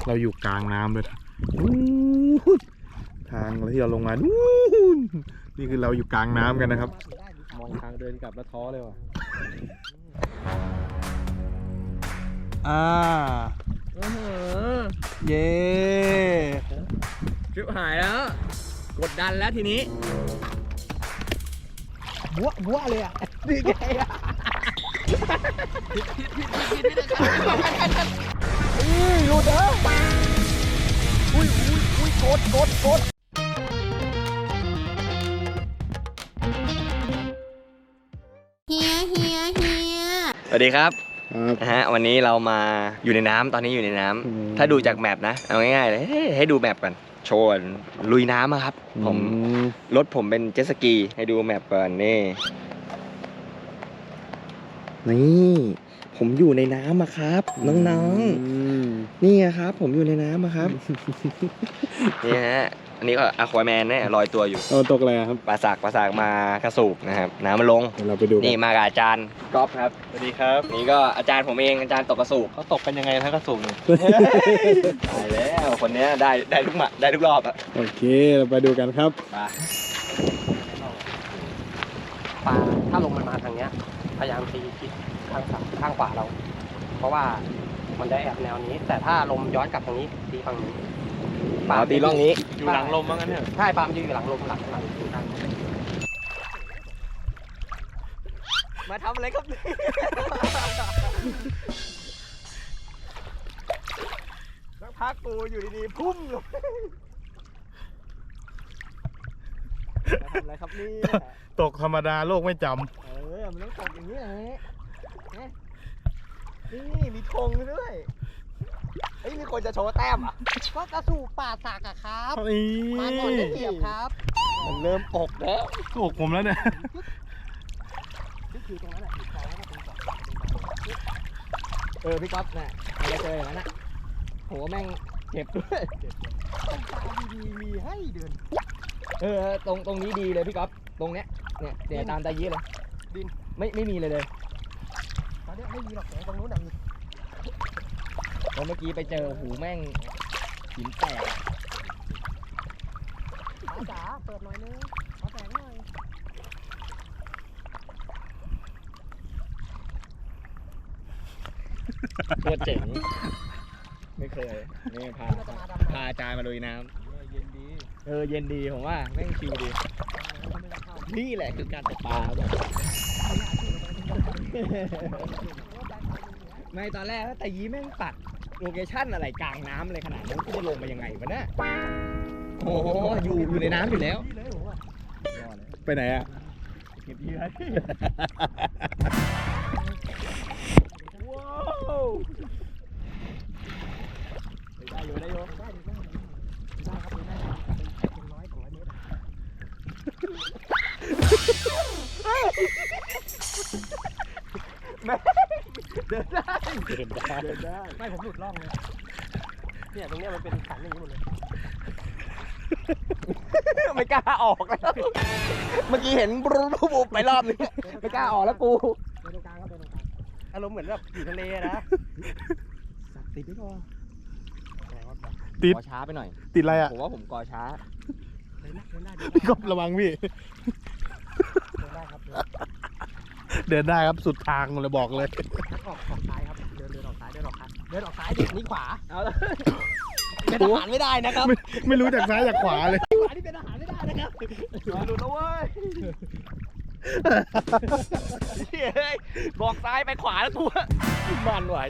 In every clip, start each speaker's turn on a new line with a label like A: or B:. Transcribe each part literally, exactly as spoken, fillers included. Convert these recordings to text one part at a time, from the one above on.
A: เราอยู่กลางน้ำเลยทางที่เราลงมานี่คือเราอยู่กลางน้ำกันนะครับ
B: มองทางเดินกลับแล้วท้อเลยว่ะ
A: อ่าเย้
B: ชิบหายแล้วกดดันแล้วทีนี้บัวบัวเลยอ่ะดีไงอ่ะผิดผิดผิดผิดผิดนะครับอุ้ยหลุดเหรออุ้ยอุ้ยอุ้ยกดกดกด
C: เฮียเฮียเฮีย
B: สวัสดีครับนะฮะวันนี้เรามาอยู่ในน้ำตอนนี้อยู่ในน้ำถ้าดูจากแมปนะเอาง่ายๆเลยให้ดูแมปก่อนโชว์ลุยน้ำอะครับผมรถผมเป็นเจ็ตสกีให้ดูแมปก่อนนี่นี่ผมอยู่ในน้ำอะครับน้องๆนี่ครับผมอยู่ในน้ำอะครับนี่ฮะอันนี้ก็อะควาแมนเนี่ยลอยตัวอยู่
A: เอาตกอะไรครับ
B: ปลาสากปลาสากมากระสูบนะครับน้ำมันลง
A: เราไปดู
B: นี่มากับอาจารย์ก๊อฟครับ
A: สวัสดีครับ
B: นี่ก็อาจารย์ผมเองอาจารย์ตกกระสูบ
A: เขาตกกันยังไงถ้ากระสูบเนี่ย
B: ตายแล้วคนนี้ได้ได้ทุกหมัดได้ทุกรอบอะ
A: โอเคเราไปดูกันครับ
B: ปลาปลาถ้าลงมันมาทางเนี้ยพยายามตีทิศข้างซ้ายข้างขวาเราเพราะว่ามันได้แอบแนวนี้แต่ถ้าลมย้อนกลับทางนี้ตีฝั่งนี้ปลาตีร่องนี้
A: อยู่หลังลมมั้งงั้นเนี่ย
B: ใช่ปลามันอยู่หลังลมหลังหลังอยู่ด้านมาทำอะไรครับสักพักกูอยู่ดีๆพุ่มลงมาทำอะไรครับนี่
A: ตกธรรมดาโลกไม่จำ
B: เออมันต้องตกอย่างนี้เลยนี่มีธงด้วยเฮ้ยมีคนจะโชว์แต้มอ่ะก็กระสูบป่าสากอะครับมาก่อนได้เปรียบครับมันเริ่มปกแล้ว
A: ปกผมแล้วเนี่ย
B: คือตรงนั้นแหละเออพี่ก๊อฟน่ะอะไรเจออย่างนั้นน่ะโหแม่งเจ็บด้วยดีๆมีให้เดินเออตรงตรงนี้ดีเลยพี่ก๊อฟตรงเนี้ยเนี่ยเดี๋ยวตามตายี้เลยดินไม่ไม่มีเลยเลยตอนนี้ไม่มีหรอกแต่ตรงนู้นน่ะมีเมื่อกี้ไปเจอหูแม่งหินแตกขาจ๋าเปิดหน่อยนึงขอแตกหน่อยโคตรเจ๋งไม่เคยนี่พาพาอาจารย์มาลุยน้ำเย็นดีเออเย็นดีผมว่าแม่งชิลดีนี่แหละคือการตกปลาแบบไม่ตอนแรกแต่ยี้แม่งปัดโลเคชั่นอะไรกลางน้ำอะไรขนาดนั้นจะลงไปยังไงวะเนี่ยโอ้โหอยู่อยู่ในน้ำอยู่แล้ว
A: ไปไหนอะ
B: เก็บเหยื่อว้าวได้อยู่ได้อยู่ได้ได้ได้ครับได้ครับเป็นร้อยสองร้อยเมตรเดินได้เดินได้เดินได้ไม่ผมหลุดร่องเลยเนี่ยตรงเนี้ยมันเป็นสันอย่างนี้หมดเลยไม่กล้าออกแล้วเมื่อกี้เห็นบรูบรูไปรอบนึงไม่กล้าออกแล้วกูเดินตรงกลางครับเดินตรงกลางอารมณ์เหมือนแบบอยู่ทะเลนะติดไม่พอ
A: ติด
B: กอช้าไปหน่อย
A: ติดอะไรอ่ะ
B: ผมว่าผมกอช้า
A: พี่ก๊อฟระวังพี่เดินได้ครับสุดทางเลยบอกเลย
B: ออกออกซ้ายครับเดินเดินออกซ้ายเดินออกซ้ายเดินออกซ้ายเด็กนี่ขวาเอาละเป็นอาหารไม่ได้นะครับ
A: ไม่ไม่รู้จากซ้ายจากขวาเลย
B: ขวาที่เป็นอาหารไม่ได้นะครับดูนะเว้ยเฮ้ยบอกซ้ายไปขวาแล้วกูมันไหว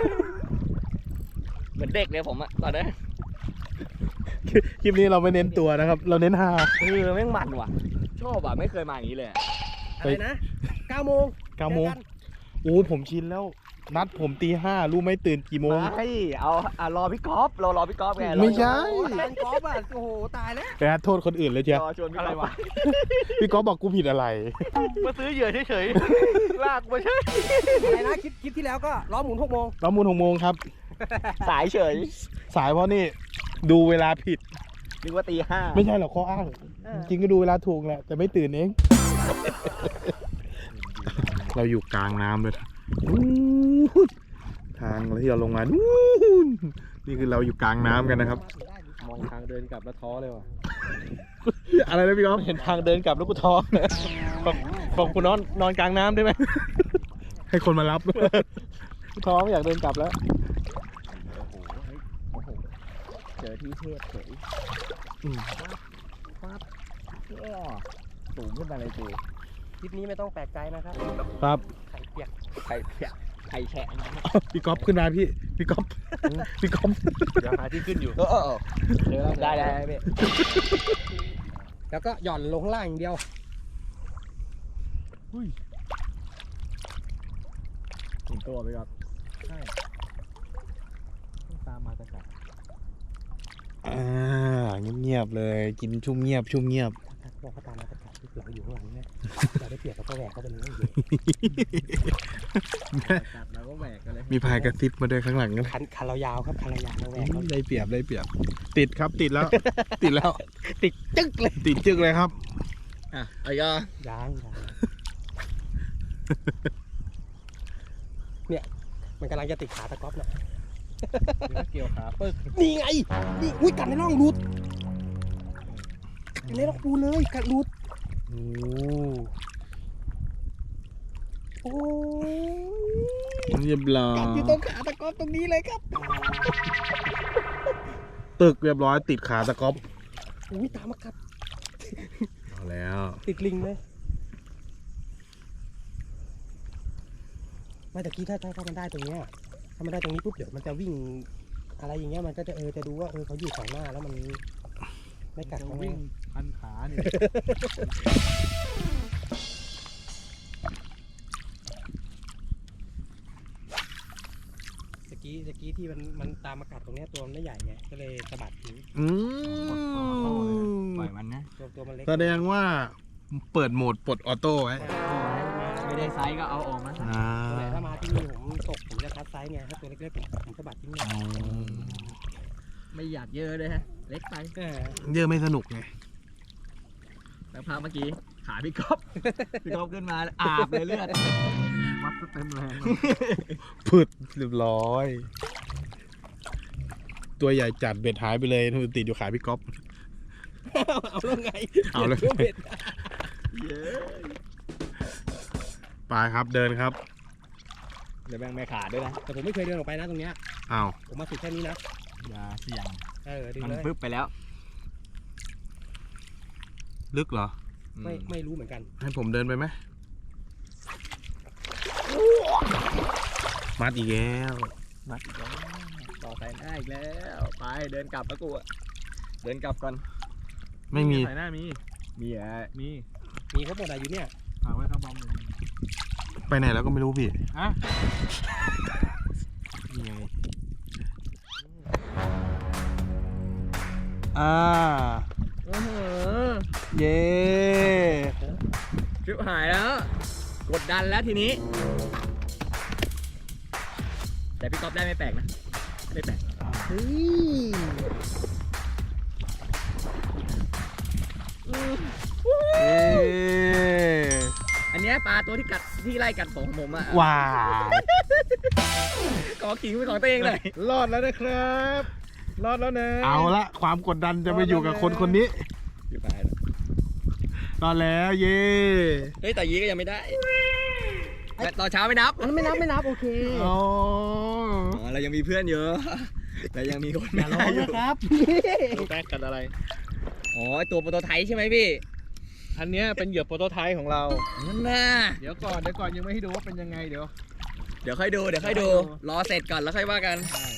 B: เหมือนเด็กเลยผมอะตอนนี้
A: คลิปนี้เราไม่เน้นตัวนะครับเราเน้นฮา
B: เออแม่งมันว่ะชอบอ่ะไม่เคยมาอย่างนี้เลยอะไรนะเก้าโมง
A: เก้าโมงโอ้ผมชินแล้วนัดผมตีห้ารู้ไหมตื่นกี่โมง
B: ไม่เอาอ่ะรอพี่ก๊อฟรอรอพี่ก๊อฟไง
A: ไม่ใช่
B: พี่ก๊อฟอ่ะโอ้โหตายแล้ว
A: ไปโทษคนอื่นเลยเชียว
B: ชวนอะไรวะ
A: พี่ก๊อฟบอกกูผิดอะไร
B: มาซื้อเหยื่อเฉยๆลากมาใช่อะไรนะคลิปคลิปที่แล้วก็ล้อหมุนหกโมง
A: ล้อหมุนหกโมงครับ
B: สายเฉย
A: สายเพราะนี่ดูเวลาผิด
B: นึกว่าตีห้า
A: ไม่ใช่หรอกข้ออ้างจริงก็ดูเวลาถูกแหละแต่ไม่ตื่นเองเราอยู่กลางน้ำเลยทางที่เราลงมานู่นนี่คือเราอยู่กลางน้ำกันนะครับ
D: มองทางเดินกลับแล้วท้อเลยว่ะ
A: อะไรนะพี่ก๊อฟ
D: เห็นทางเดินกลับแล้วกูท้อเลยบอกบอกกูนอนนอนกลางน้ำได้ไหม
A: ให้คนมารับ
D: กูท้อไม่อยากเดินกลับแล้ว
B: โอ้โหเจอที่เทพเฉย
A: อืม
B: ปั๊บอ้อสูงขึ้นมาเลยจู
D: ทริปนี้ไม่ต้องแปลกใจนะครับ
A: ครับ
D: ไข่เปียก
B: ไข่เปียกไข่แฉะ
A: พี่ก๊อฟขึ้นมาพี่พี่ก๊อฟพี่ก๊อฟ
D: เดี๋ยวหาที่ขึ้นอยู่
B: เออเออเจอแล้วได้ได้พี่
D: แล้วก็หย่อนลงข้างล่างอย่างเดียว
B: ถึงตัวไปครับ
D: ใช่ตามมากระจัด
A: อ่าเงียบๆเลยกินชุ่มเงียบชุ่มเงียบ
D: บอกเขาตามมากระจัดที่เสืออยู่ข้างหลังเนี่ยอย่าได้เปียกก็แหวกเข้าไปเลย
B: จับแล้วก็แหวกกันเลย
A: มีพายกระซิบมาด้วยข้างหลังกัน
D: คันคันเรายาวครับคันเรายาวเราแหวกเขา
A: ได้เปรียบได้เปรียบ ติดครับติดแล้ว ติดแล้ว
D: ติดจึ๊กเลย
A: ติดจึกเลยครับ
B: อ่ะไอ้ก็
D: ยางยางเนี่ยมันกำลังจะติดขาตะก๊อฟน่ะ
B: เกี่ยวขาปึ๊ก
D: นี่ไงนี่อุ้ยกัดในร่องรูดกัดในร่องรูเลยกัดรูด
A: โอ้
D: โอ้ย
A: เรียบร้อย
D: กัดอยู่ตรงขาตะก๊อฟตรงนี้เลยครับ
A: ตึกเรียบร้อยติดขาตะก๊อบ
D: อุ้ยตามมากัด
A: เอาแล้ว
D: ติดลิงเลยไม่แต่กี้ถ้าถ้าถ้ามันได้ตรงเนี้ยถ้ามันได้ตรงนี้ปุ๊บเดี๋ยวมันจะวิ่งอะไรอย่างเงี้ยมันก็จะเออจะดูว่าเออเขาอยู่ฝั่งหน้าแล้วมันไม่กัดเขา
B: วิ่งพันขาเนี่ย
D: ตะกี้ตะกี้ที่มันมันตามมากัดตรงเนี้ยตัวมันไม่ใหญ่ไงก็เลยสะบัดทิ้ง
A: อืม
B: ปล่อยมันนะ
D: ตัวตัวมันเล็ก
A: แสดงว่าเปิดโหมดปลดออโต้ไว้
B: ไม่ได้ไซส์ก็เอาออกมา
A: อ่า
D: ตัวไหนถ้ามาที่นี่ผมตกผมจะคัดไซส์ไงถ้าตัวเล็กๆผมผมสะบัดทิ้งเลย
B: ไม่อยากเยอะเลยฮะเล็กไป
D: เออ
A: เยอะไม่สนุกไง
B: แล้วพาเมื่อกี้ขาพี่ก๊อฟพี่ก๊อฟขึ้นมาอาบเลยเลือดวัดเต็มแรง
A: พืดเรียบร้อย ตัวใหญ่จัดเบ็ดหายไปเลยนู่นติดอยู่ขาพี่ก๊อฟ
D: เอาแล้วไง
A: เอาแล้ว
D: เบ็ด
B: เยอะ
A: ไปครับเดินครับ
B: เดี๋ยวแบ่งแม่ขาด้วยนะ
D: แต่ผมไม่เคยเดินออกไปนะตรงเนี้ย
A: อ้าว
D: ผมมาสุดแค่นี้นะ
B: อย่าเสี่ยง
D: เออดึง
B: มัน
D: เลย
B: ปึ๊บไปแล้ว
A: ลึกเหรอ
D: ไม่ไม่รู้เหมือนกัน
A: ให้ผมเดินไปไหมมัดอีกแล้ว
B: มัดอีกแล้วต่อสายหน้าอีกแล้วไปเดินกลับแล้วกูอะเดินกลับก่อน
A: ไม่มี
D: สายหน้ามี
B: มีอ่ะมี
D: มีเขาหมดอะอยู่เนี่ย
B: ฝากไว้ข้างบอมเลย
A: ไปไหนแล้วก็ไม่รู้พี่
B: ฮะ
A: นี่ไงอ่า
B: โอ้โห
A: เย้
B: ชิบหายแล้ว กดดันแล้วทีนี้ แต่พี่ก๊อฟได้ไม่แปลกนะ ไม่แปลก
D: เฮ้ย
A: เย้
B: อันเนี้ยปลาตัวที่กัดที่ไล่กัดของผมอ่ะ
A: ว้าว
B: กอขิงเป็นของตัวเองเลย
D: รอดแล้วนะครับ รอดแล้วนะ
A: เอาละความกดดันจะไปอยู่กับคนคนนี้
B: อยู่ไป
A: รอดแล้วเย้
B: เฮ้ยแต่ยี้ก็ยังไม่ได้แต่ตอนเช้าไม่นับ
D: อันนั้นไม่นับไม่นับโอเค
A: อ๋อ
B: อ๋อเรายังมีเพื่อนเยอะ แต่ยังมีคน
D: อ
B: ไม่
D: ย่าร้อ
B: ได้
D: ง
B: อยู่
D: นะครับ
A: แป๊กกันอะไร
B: อ๋อไอ้ตัวโปรโตไทป์ใช่ไหมพี่
D: อันเนี้ยเป็นเหยื่อโปรโตไทป์ของเรา
B: นั่นน่ะ
D: เดี๋ยวก่อนเดี๋ยวก่อนยังไม่ให้ดูว่าเป็นยังไงเดี๋ยว
B: เดี๋ยวค่อยดูเดี๋ยวค่อยดู รอเสร็จก่อนแล้วค่อยว่ากัน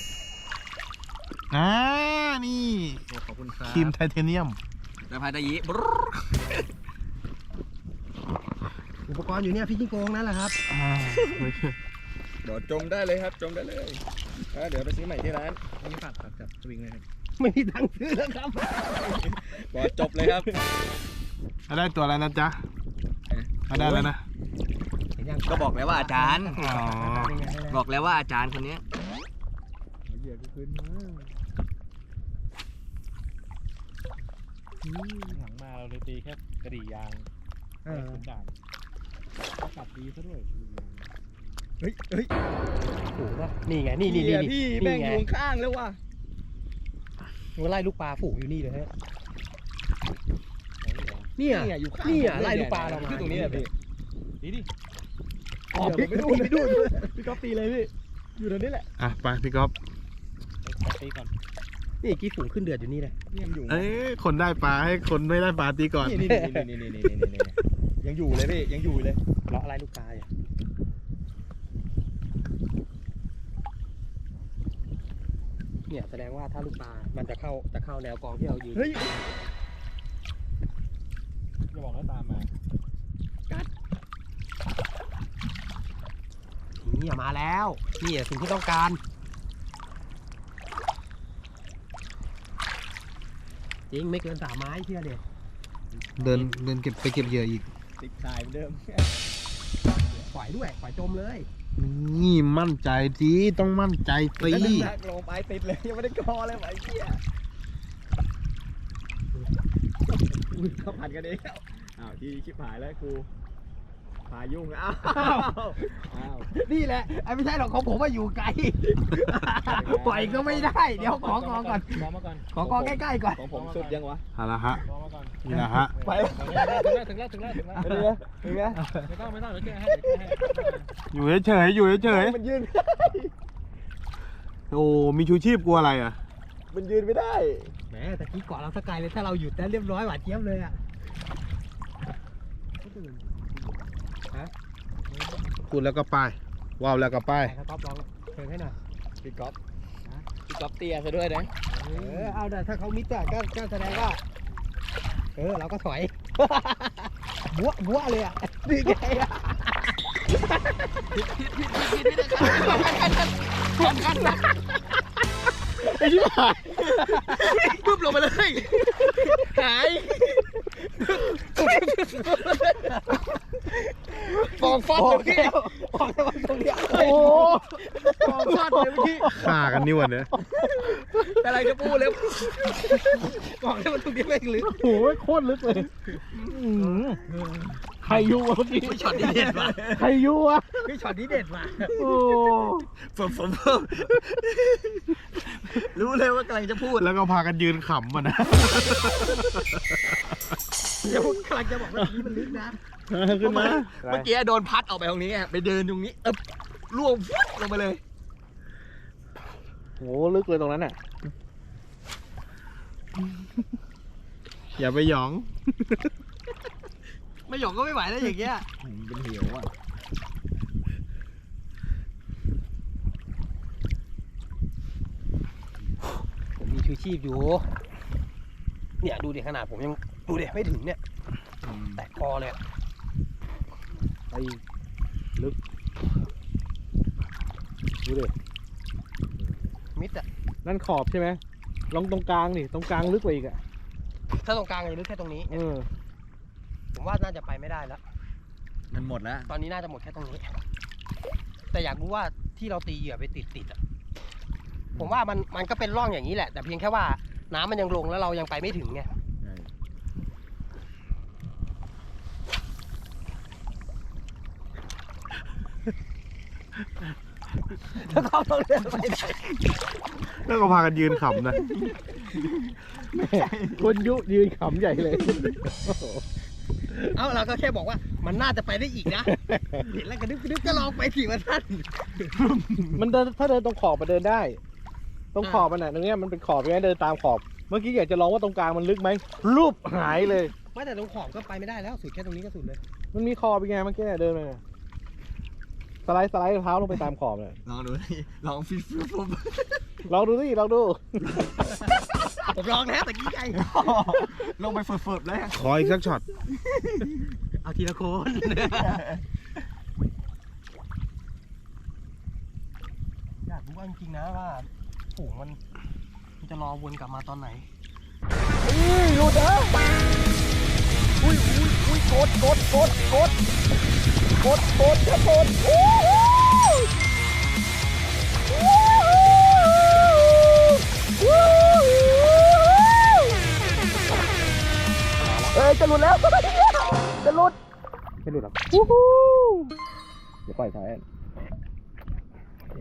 A: อ่านี่
D: ขอบคุณครับ
A: ครีมไทเทเนียม
B: แล้วพายตะยีบร
D: อุปกรณ์อยู่เนี่ยพี่จิ้งโกงนั่นแหละครับ
A: อ่า
B: เดี๋ยวจมได้เลยครับจมได้เลยอ่ะเดี๋ยวไปซื้อใหม่ที่ร้าน
D: นี่ฝากฝากจับสวิงเลยครับไม่มีตังค์ซื้อแล้วครับ
B: บอกจบเลยครับ
A: ได้ตัวอะไรนะจ๊ะมาได้แล้วนะ
D: เห็นยัง
B: ก็บอกแล้วว่าอาจารย์
A: อ๋อ
B: บอกแล้วว่าอาจารย์คนเนี้ย
D: เหยื่อก็ขึ้นมาหลังมาเราเลยตีแค่กระดี่ยาง
A: เออ
D: เป็นด่านก็กลับดีซะด้วย
B: เฮ้ยเฮ้ย
D: ฝูงปะนี่ไงนี่นี่นี่
B: พี่
D: นี่
B: แม่ง
D: ไง
B: อยู่ข้างแล้วว่ะ
D: มันไล่ลูกปลาฝูงอยู่นี่เลยฮะเนี่ย
B: เนี่ยอยู่ข้าง
D: เนี่ย
B: ผม
D: ไล่ลูกปลาเรามา
B: คือตรงนี้แหละพี่
A: ดีดิ
B: อ๋อพี่ไปดูไปดูพี่ก๊อฟตีเลยพี่อยู่ตรงนี้แหละ
A: อ่ะไปพี่ก๊อฟ
D: ไปตีก่อนนี่กี่ฝูงขึ้นเดือดอยู่นี่เลย
B: นี่ยังอยู่
A: เอ้ยคนได้ปลาให้คนไม่ได้ปลาตีก่อน
B: นี่นี่นี่นี่นี่นี่นี่นี่ยังอยู่เลยพี่ยังอยู่เลย
D: เลาะไล่ลูกปลาอยู่เนี่ยแสดงว่าถ้าลูกปลา มันจะเข้าจะเข้าแนวกองที่เรายืน
B: เฮ้ย
A: จะบอกให้ตามมา
D: นี่มาแล้วนี่สิ่งที่ต้องการจริงไม่เกินสามไม้เชื่อเด็
A: เดินเดินเก็บไปเก็บเหยื่ออีก
B: ติดชายเหมือนเดิม
D: ปล่อยด้วยปล่อยจมเลย
A: นี่มั่นใจสิต้องมั่นใจสิ
B: แล้วน้ำหนักลงไปติดเลยยังไม่ได้กอเลยไอ้เหี้ยอุ้ยเขาผัดกันเองแล้วอ้าวที่ชิบหายแล้วกูพายุ่งอ้าวอ้าว
D: นี่แหละไอ้ไม่ใช่หรอกของผมว่าอยู่ไกล ปล่อยก็ไม่ได้เดี๋ยวขอกองก่อน
A: มองมาก่อน
D: ขอกองใกล้ๆก่อน
B: ของผมสุดยังวะ
A: เอาละฮะ
E: มองมาก่อน
A: นี่นะฮะ
B: ไป
E: ถึงแล้วถึงแล้วถึงแล้วถึงแล้ว
B: เป็นไงเป็นไง
E: ไม่ต้องไม่ต้องเดี๋ยวแก้ให้เดี๋ยวแก้ให้
A: อยู่เฉยๆอยู่เฉย
B: มันยืน
A: ๆโอ้มีชูชีพกลัวอะไรอ่ะ
B: มันยืนไม่ได้
D: แหมแต่กี้ก่อนเราสกายเลยถ้าเราหยุดแล้วเรียบร้อยหวานเจี๊ยบเลยอ่ะ
A: พูดแล้วก็ไปว้าวแล้วก็ไป
D: ไปครับก๊อฟลองเชิญให้หน่อย
B: พี่ก๊อฟพี่ก๊อฟเตี้ยซะด้วยนะ
D: เออเอาเดี๋ยวถ้าเขามิดอ่ะก็ก็แสดงว่าเออเราก็ถอย บัวบัวเลยอ่ะนี่ไงอ่ะ
A: ไอ้ชิบหาย
B: ปุ๊บลงไปเลยหายฟองฟอดเลยพี่
D: ออกจากตรงเนี้ย
B: โอ้ฟองฟอดเลยพี่
A: ฆ่ากันนี่วันเนี้ย
B: อะไรจะพูดเลย
D: บอกให้มันตรงนี้แม่งลึก
A: โอ้ยโคตรลึกเลยใครอยู่วะพี่
D: ช็อตนี้เด็ดว่ะ
A: ใครอยู่วะ
D: พี่ช็อตนี้เด็ดว่ะ
A: โอ้
B: ผมผมรู้เลยว่ากำลังจะพูด
A: แล้วก็พากันยืนขำมันนะ
D: เดี๋ยวกำลังจะบอกว่านี้มันลึกนะ
A: ขึ้นมา
B: เมื่อกี้โดนพัดออกไปตรงนี้ไงไปเดินตรงนี้เอ๊บล่วงฟุ๊บลงไปเลย
A: โหลึกเลยตรงนั้นน่ะอย่าไปหยอง
D: ไม่หยอกก็ไม่ไหวแล้วอย่างเงี้ย
B: เป็นเหวอ่ะ
D: ผมมีชูชีพอยู่ เนี่ยดูดิขนาดผมยังดูดิไม่ถึงเนี่ยแตะคอเลยอะ
A: ไปลึกดูดิ
D: มิดอ่ะ
A: นั่นขอบใช่ไหมลองตรงกลางนี่ตรงกลางลึกกว่าอีกอ่ะ
D: ถ้าตรงกลางจะลึกแค่ตรงนี้
A: เออ
D: ผมว่าน่าจะไปไม่ได้แล้ว
B: มันหมดแล้ว
D: ตอนนี้น่าจะหมดแค่ตรงนี้ แต่อยากรู้ว่าที่เราตีเหยื่อไปติดติดๆอ่ะ ผมว่ามันมันก็เป็นร่องอย่างนี้แหละ แต่เพียงแค่ว่าน้ำมันยังลงแล้วเรายังไปไม่ถึงไง ถ้าเขาต้องเดินไปไหน
A: แล้วก็พากันยืนขำนะคนยุยืนขำใหญ่เลย
D: เอ้าเราก็แค่บอกว่ามันน่าจะไปได้อีกนะ เห็นแล้วกระดึ๊บกระดึ๊บก็ลองไปสิวันท่าน
A: มันเดินถ้าเดินตรงขอบมันเดินได้ ตรงขอบมันน่ะตรงเนี้ยมันเป็นขอบใช่ไหมเดินตามขอบ เมื่อกี้อยากจะลองว่าตรงกลางมันลึกไหมรูปหายเลย
D: ไม่แต่ตรงขอบก็ไปไม่ได้แล้วสุดแค่ตรงนี้ก็สุดเลย
A: มันมีขอบเป็นไงเมื่อกี้เนี่ยเดินไปเนี่ยสไลด์สไลด์เท้าลงไปตามขอบเนี่ย
B: ลองดูดิลองฟิฟฟิฟฟิฟ
A: ลองดูสิลองดู
D: ผมลองแล้วแต่กี้ไง
B: ลงไปฝึกๆเลย
A: ขออีกสักช็อต
D: เอาทีละคน อยากรู้ว่าจริงๆนะว่าฝูงมันมันจะรอวนกลับมาตอนไหน
B: หยุดนะอุ้ยอุ้ยอุ้ยกดกดกดกดกดกดจะกดวู้วู้วู้เอ้ยจะหลุดแล้วจะหลุด
A: ไม่หลุดหรอกวู้ฮู้เดี๋ยวปล่อยท้าย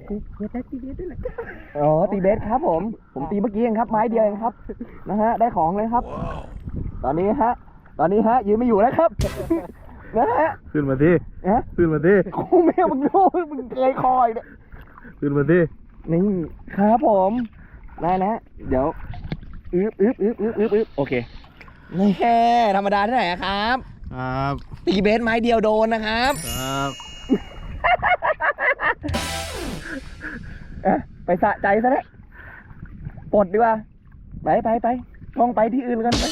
B: อ๋อตีเบสครับผม ผมตีเมื่อกี้เองครับ ไม้เดียวเองครับ นะฮะ ได้ของเลยครับ ตอนนี้ฮะ ตอนนี้ฮะ ยืนไม่อยู่แล้วครับ นะฮะ
A: ขึ้นมาที่
B: ฮะ
A: ขึ้นมาที่
B: กูไม่เอามึงโน้มึงเคยคอยเนี่ย
A: ขึ้นมาที่
B: นี่ครับผม ได้นะ เดี๋ยวอึ๊บอึ๊บอึ๊บอึ๊บอึ๊บอึ๊บโอเคนี่แค่ธรรมดาที่ไหนอะครับ
A: ครับ
B: ตีเบสไม้เดียวโดนนะครับ
A: ครับ
B: เอ๊ะไปสะใจซะแล้วปลดดีกว่า ไปไปไปมองไปที่อื่นกันไป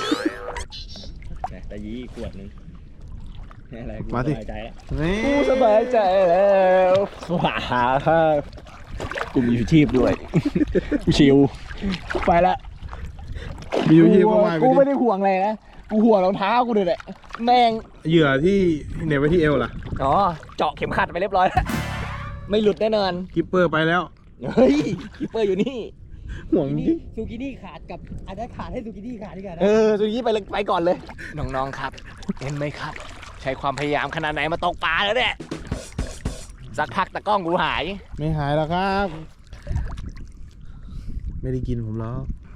B: แต่ยี่ขวดนึงอะไรกู
A: มา
B: ส
A: สิ
B: บายใจแล้ว
A: นี่
B: กูสบายใจแล้วว้าครับกูมีชีพด้วย ชิวไปละ
A: มีอยู่ที่ประมาณ
B: กูไม่ได้ห่วงอะไรนะ กูห่วงรองเท้ากูเลยแหละ แม่ง
A: เหยื่อที่เหน็บไว้ที่เอวล่ะ
B: อ๋อ เจาะเข็มขัดไปเรียบร้อยแล้ว ไม่หลุดแน่นอน
A: กิปเปอร์ไปแล้ว
B: เฮ้ยคีเปอร์อยู่นี่
A: ห่วงจริง
D: ซูกินี่ขาดกับอันนั้นขาดให้ซูกินี่ขาดดีกว่านะ
B: เออสุกี้ไปเลยไปก่อนเลย น้องๆครับ เห็นไหมครับ ใช้ความพยายามขนาดไหนมาตกปลาแล้วเนี่ย สักพักตะกล้องกูหาย
A: ไม่หายแล้วครับ ไม่ได้กินผมแล้ว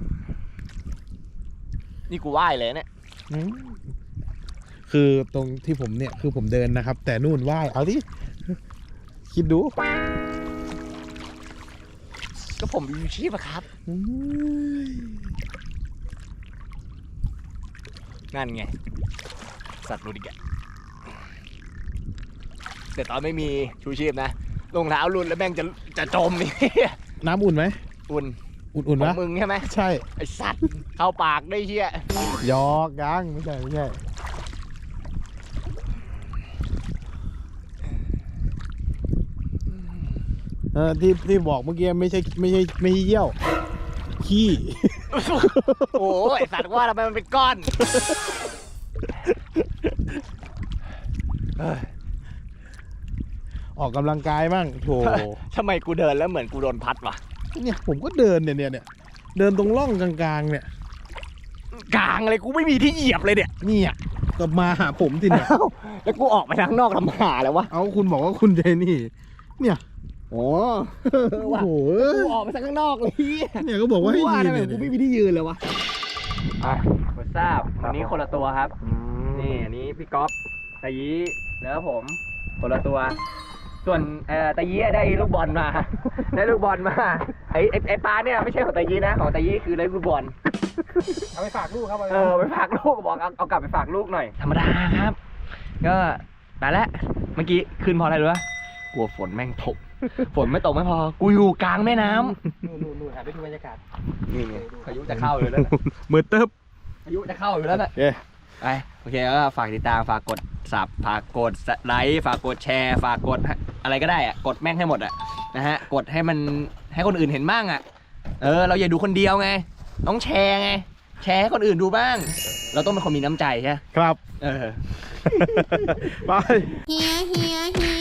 B: นี่กูไหว้เลยเนี่ย
A: คือตรงที่ผมเนี่ยคือผมเดินนะครับ แต่นู่นว่ายเอาที่คิดดู
B: ก็ผมมีชีพอะครับ นั่นไง สัตว์หลุดอีกอะแต่ตอนไม่มีชูชีพนะรองเท้าหลุดแล้วแม่งจะจะจมนี่
A: น้ำอุ่นไหม
B: อุ่น
A: อุ่นๆ
B: ขอ
A: นะ
B: งมึงใช่ไหม
A: ใช่
B: ไอสัตว์เข้าปากได้เชี่ย
A: ยอกยังไม่ใช่ไม่ใช่เออที่ที่บอกเมื่อกี้ไม่ใช่ไม่ใช่ไม่ใช่เยี่ยวขี้
B: โอ้ยไอ้สัตว์ว่าทำไมมันเป็นก้อน
A: ออกกำลังกายมั่งโถ
B: ทำไมกูเดินแล้วเหมือนกูโดนพัดวะ
A: เนี่ยผมก็เดินเนี่ยเนี่ยเนี่ยเดินตรงร่องกลางๆเนี่ย
B: กลางเลยกูไม่มีที่เหยียบเลยเนี่ย
A: เนี่ยก็มาหาผมสิเนี่ย
B: เอ้าแล้วกูออกไปทางนอกลำหาแล้ววะ
A: เอาคุณบอกว่าคุณใจนี่ เนี่ย
B: โอ้
A: โอ้โห
B: กูออกไปทางข้างนอกเลย
A: เนี่ยก็บอกว่าให้
B: ว่า
A: ยืน
B: ทำไม
A: เนี่ย
B: กูไม่มีที่ยืนเลยวะอ่ะผมทราบวันนี้คนละตัวครับ นี่อันนี้พี่ก๊อฟตะยีแล้วผมคนละตัว ส่วนเอ่อตะยีได้ลูกบอลมา ได้ลูกบอลมาไอ้ไอ้ไอ้ปลาเนี่ยไม่ใช่ของตะยีนะของตะยีคือได้ลูกบอล
D: เอาไปฝากลูกครับ
B: เออไปฝากลูกบอกเอาเอากลับไปฝากลูกหน่อย ธรรมดาครับ ก็ไปแล้วเมื่อกี้ขึ้นเพราะอะไรรู้ปะกลัวฝนแม่งตก ฝนไม่ตกไม่พอ กูอยู่กลางแม่น้ำ
D: นู่นนู่นนู่นหันไปดูบรรยากาศ
B: นี่ไงพายุจะเข้าอยู่แล้วนะ
A: มือเติบ
B: พายุจะเข้าอยู่แล้วนะ
A: เอ๊ะ
B: ไปโอเคก็ฝากติดตามฝากกดสับฝากกดไลค์ฝากกดแชร์ฝากกดอะไรก็ได้อะกดแม่งให้หมดอะนะฮะกดให้มันให้คนอื่นเห็นบ้างอะเออเราอย่าดูคนเดียวไงต้องแชร์ไงแชร์ให้คนอื่นดูบ้าง เราต้องเป็นคนมีน้ำใจใช่ไหม
A: ครับ
B: เออ
A: ไป
C: เฮียเฮียเฮี